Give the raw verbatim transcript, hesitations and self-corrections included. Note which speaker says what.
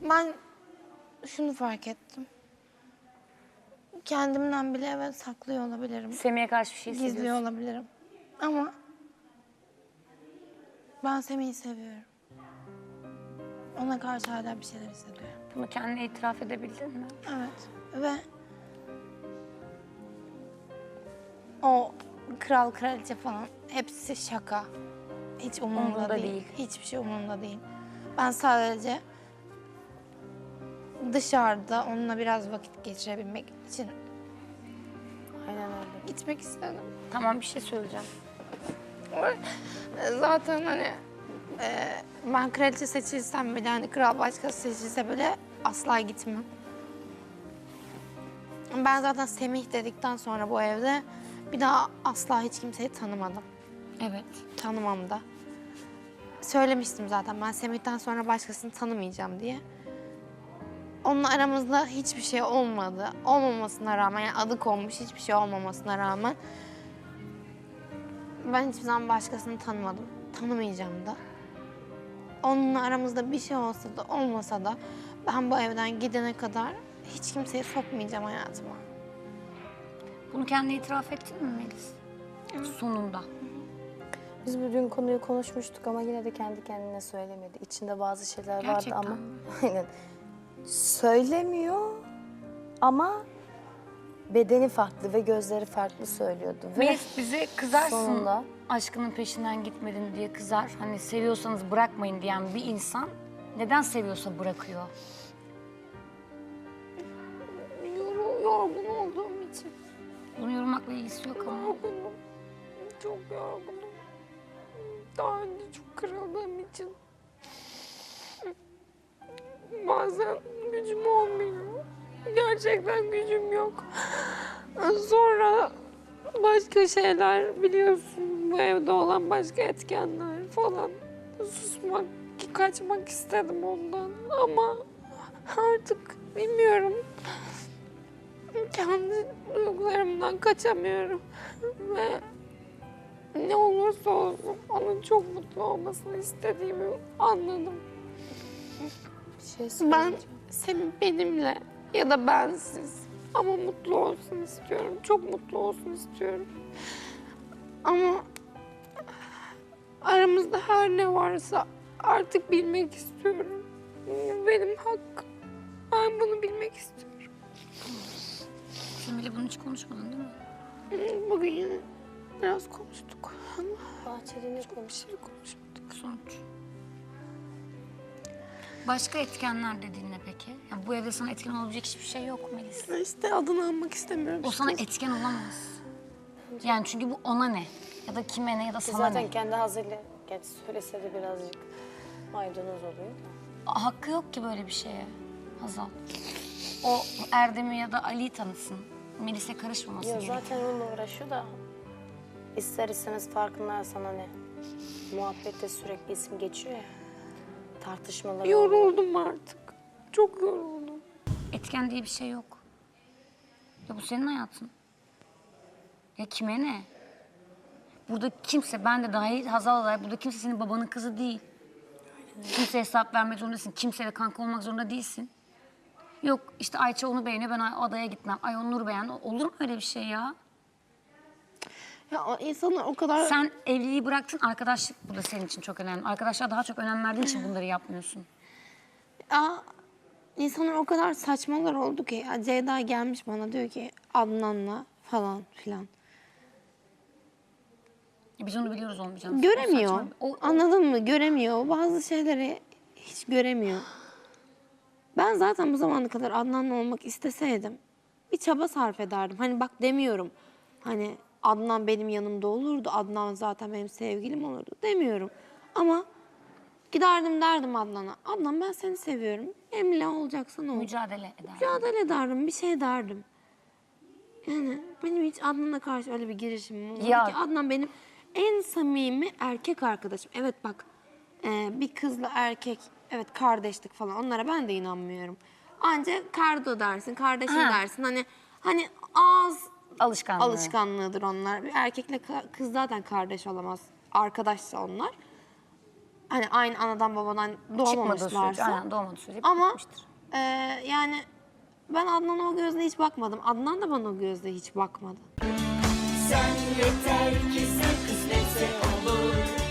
Speaker 1: Ben şunu fark ettim. Kendimden bile evet saklıyor olabilirim.
Speaker 2: Semih'e karşı bir şey hissediyorsun.
Speaker 1: Gizliyor olabilirim. Ama ben Semih'i seviyorum. Ona karşı hala bir şeyler hissediyorum.
Speaker 2: Bunu kendine itiraf edebildin mi?
Speaker 1: Evet. Ve o kral kraliçe falan hepsi şaka. Hiç umurumda,
Speaker 2: Umurunda
Speaker 1: değil.
Speaker 2: değil.
Speaker 1: Hiçbir şey umurumda değil. Ben sadece dışarıda onunla biraz vakit geçirebilmek için
Speaker 3: Aynen öyle.
Speaker 1: gitmek istedim.
Speaker 2: Tamam, bir şey söyleyeceğim.
Speaker 1: Zaten hani e, ben kraliçe seçilsem bile hani kral başkası seçilse bile asla gitmem. Ben zaten Semih dedikten sonra bu evde bir daha asla hiç kimseyi tanımadım.
Speaker 2: Evet.
Speaker 1: Tanımam da. Söylemiştim zaten ben Semih'ten sonra başkasını tanımayacağım diye. Onunla aramızda hiçbir şey olmadı. Olmamasına rağmen, yani adı konmuş hiçbir şey olmamasına rağmen ben hiçbir zaman başkasını tanımadım. Tanımayacağım da. Onunla aramızda bir şey olsa da olmasa da ben bu evden gidene kadar hiç kimseyi sokmayacağım hayatıma.
Speaker 2: Bunu kendine itiraf ettin mi Melis? Sonunda.
Speaker 3: Biz bugün konuyu konuşmuştuk ama yine de kendi kendine söylemedi. İçinde bazı şeyler
Speaker 2: Gerçekten
Speaker 3: vardı ama
Speaker 2: mi?
Speaker 3: aynen. Söylemiyor ama bedeni farklı ve gözleri farklı söylüyordu. Ve
Speaker 2: Melis bize kızarsın,
Speaker 3: sonunda-
Speaker 2: aşkının peşinden gitmedin diye kızar. Hani seviyorsanız bırakmayın diyen bir insan neden seviyorsa bırakıyor?
Speaker 1: Yor- yorgun olduğum için.
Speaker 2: Bunu yorumlamakla ilgisi yok ama.
Speaker 1: Yorgunum. Çok yorgunum. Daha önce çok kırıldığım için. Bazen gücüm olmuyor. Gerçekten gücüm yok. Sonra başka şeyler biliyorsun. Bu evde olan başka etkenler falan. Susmak, kaçmak istedim ondan. Ama artık bilmiyorum. Kendi duygularımdan kaçamıyorum. Ve ne olursa olsun onun çok mutlu olmasını istediğimi anladım.
Speaker 3: bir şey
Speaker 1: Ben
Speaker 3: söyleyeceğim.
Speaker 1: Semih benimle ya da bensiz ama mutlu olsun istiyorum. Çok mutlu olsun istiyorum. Ama aramızda her ne varsa artık bilmek istiyorum. Benim hakkım. Ben bunu bilmek istiyorum.
Speaker 2: Semih'le bunu hiç konuşmadın değil mi?
Speaker 1: Bugün yine biraz konuştuk ama
Speaker 3: Bahçede ne
Speaker 1: bir
Speaker 3: konuş?
Speaker 1: şey konuşmadık.
Speaker 2: Sonuç. Başka etkenler dediğin ne peki? Yani bu evde sana etken olabilecek hiçbir şey yok Melis.
Speaker 1: İşte adını almak istemiyorum.
Speaker 2: O sana etken olamaz. Yani çünkü bu ona ne? Ya da kime ne ya da
Speaker 3: Ki
Speaker 2: sana
Speaker 3: zaten
Speaker 2: ne?
Speaker 3: kendi ağzıyla gerçi söylese de birazcık maydanoz oluyor da.
Speaker 2: Hakkı yok ki böyle bir şeye Hazal. O Erdem'i ya da Ali'yi tanısın. Melis'e karışmaması
Speaker 3: Yok
Speaker 2: gerekiyor.
Speaker 3: zaten onunla uğraşıyor da ister istemez farkındaysan hani muhabbette sürekli isim geçiyor ya. Tartışmalar oluyor.
Speaker 1: Yoruldum artık. Çok yoruldum.
Speaker 2: Etken diye bir şey yok. Ya bu senin hayatın. Ya kime ne? Burada kimse, ben de dahil, Hazal da dahil, burada kimse senin babanın kızı değil. Kimseye hesap vermek zorundasın, kimseyle kanka olmak zorunda değilsin. Yok işte Ayça onu beğeniyor, ben adaya gitmem. Ay o Nur beğendi. Olur mu öyle bir şey ya?
Speaker 1: Ya o insanlar o kadar...
Speaker 2: Sen evliliği bıraktın, arkadaşlık burada senin için çok önemli. Arkadaşlar daha çok önem verdiğin için bunları yapmıyorsun.
Speaker 1: Ya insanlar o kadar saçmalar oldu ki. Ya Ceyda gelmiş bana diyor ki Adnan'la falan filan.
Speaker 2: Ya biz onu biliyoruz olmayacağını.
Speaker 1: Göremiyor.
Speaker 2: O saçma. O, o-
Speaker 1: Anladın mı? Göremiyor. Bazı şeyleri hiç göremiyor. Ben zaten bu zamana kadar Adnan'la olmak isteseydim bir çaba sarf ederdim. Hani bak demiyorum. Hani Adnan benim yanımda olurdu. Adnan zaten benim sevgilim olurdu demiyorum. Ama giderdim derdim Adnan'a. Adnan ben seni seviyorum. Benimle olacaksan ol.
Speaker 2: mücadele eder.
Speaker 1: Mücadele ederdim, bir şey derdim. Yani benim hiç Adnan'a karşı öyle bir girişimim olmadı
Speaker 2: Ya.
Speaker 1: ki. Adnan benim en samimi erkek arkadaşım. Evet bak, e, bir kızla erkek, evet kardeşlik falan onlara ben de inanmıyorum. Ancak kardo dersin, kardeşim
Speaker 2: Ha.
Speaker 1: dersin. Hani hani ağız
Speaker 2: Alışkanlığı.
Speaker 1: alışkanlığıdır onlar. Bir erkekle ka- kız zaten kardeş olamaz. Arkadaşsa onlar. Hani aynı anadan babadan
Speaker 2: Çıkmadığı sürece,
Speaker 1: doğmamışlarsa.
Speaker 2: aynen doğmadığı sürece
Speaker 1: Ama
Speaker 2: bitmiştir.
Speaker 1: e, yani ben Adnan'a o gözle hiç bakmadım. Adnan da bana o gözle hiç bakmadı.
Speaker 4: Sen yeter ki sen kısmetse olur.